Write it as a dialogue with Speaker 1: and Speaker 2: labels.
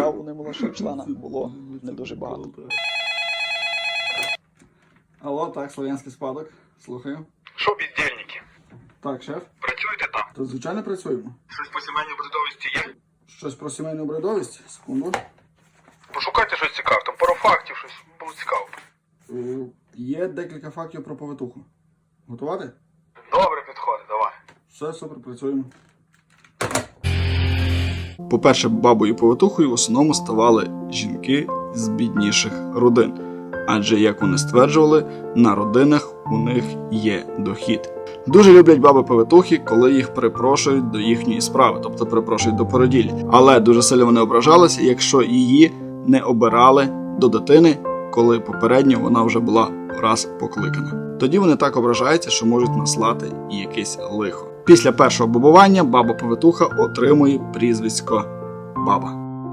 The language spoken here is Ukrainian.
Speaker 1: справ у немолодшого члена було не дуже багато. Алло, так, Слов'янський спадок. Слухаю.
Speaker 2: Що, бездельники?
Speaker 1: Так, шеф.
Speaker 2: Працюєте там?
Speaker 1: То звичайно працюємо.
Speaker 2: Щось по сімейній обрядовості є?
Speaker 1: Щось про сімейну обрядовість? Секунду.
Speaker 2: Пошукайте щось цікаве, там пару фактів, щось було цікаво.
Speaker 1: Є декілька фактів про повитуху. Готувати?
Speaker 2: Добре, підходить, давай.
Speaker 1: Все, супер, працюємо. По-перше, бабою повитухою в основному ставали жінки з бідніших родин. Адже, як вони стверджували, на родинах у них є дохід. Дуже люблять баби-повитухи, коли їх припрошують до їхньої справи, тобто припрошують до породіль. Але дуже сильно вони ображалися, якщо її не обирали до дитини, коли попередньо вона вже була раз покликана. Тоді вони так ображаються, що можуть наслати і якесь лихо. Після першого бабування баба-повитуха отримує прізвисько баба.